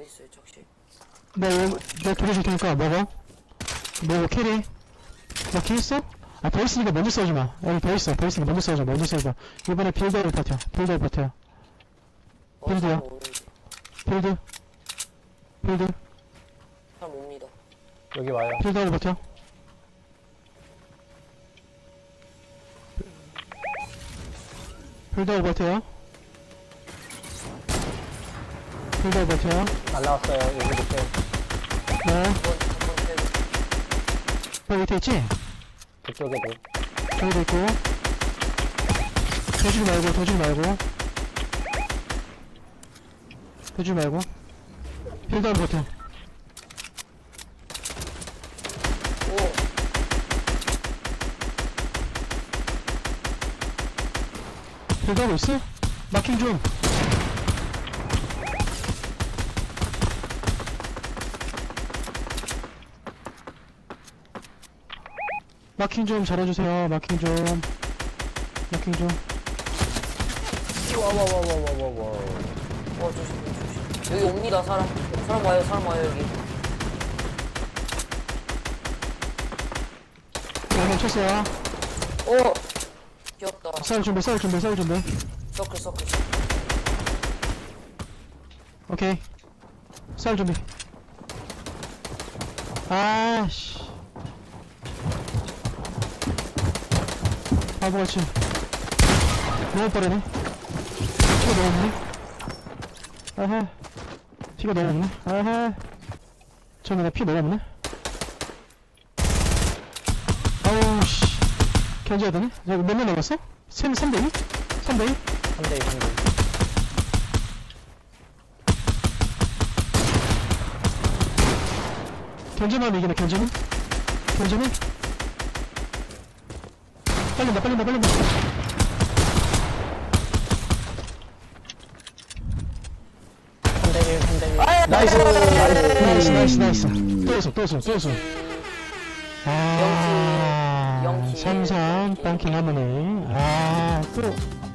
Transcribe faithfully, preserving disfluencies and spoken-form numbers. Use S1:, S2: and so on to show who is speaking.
S1: 어딨어요 적실?
S2: 내가 내가 두개 줄 테니까 먹어. 먹어 캐리. 너 키 있어? 아 더 있으니까 먼저 써지 마. 여기 더 있어. 더 있으니까 먼저 써줘. 먼저 써줘. 이번에 빌드를 버텨. 빌드를 버텨.
S1: 어,
S2: 필드야.
S1: 사람 오는데.
S2: 필드. 필드.
S1: 사람 옵니다.
S3: 여기 와요.
S2: 필드하고 버텨. 필드하고 버텨요. 필드하고 버텨요.
S3: 날라왔어요. 여기 밑에.
S2: 네.
S1: 한번 한번 때려.
S2: 여기 밑에 있지?
S3: 그쪽에도.
S2: 저기도 있고. 도주지 말고, 도주지 말고. 도주지 말고. 필드하고 버텨.
S1: 오.
S2: 필드하고 있어? 마킹 좀. 마킹 좀 잘해주세요. 마킹 좀. 마킹 좀.
S3: 와와와와와와와.
S1: 어 조심 조심. 여기 옵니다 사람. 사람 와요 사람 와요 여기.
S2: 오늘 쳤어요.
S1: 오. 귀엽다.
S2: 싸울 준비, 싸울 준비, 싸울 준비.
S1: 서클 서클.
S2: 오케이. 싸울 준비. 아씨. 바보같이. 너무 빠르네. 피가 너무 없네. 아하. 피가 너무 없네. 아하. 저는 피 너무 없네. 아우, 씨. 견제해야 되네? 몇 명 남았어? 삼, 삼 대 이? 삼 대 이?
S3: 삼 대 이, 삼 대 이.
S2: 견제만 이기네, 견제는? 견제는? 빨린다, 빨린다, 빨린다.
S3: 삼 대 일, 삼 대 일.
S2: 나이스! 나이스, 나이스, 나이스. 또 있어, 또 있어, 또 있어. 아,
S1: 영키. 영키.
S2: 삼삼, 빵킹 하모니. 아, 또.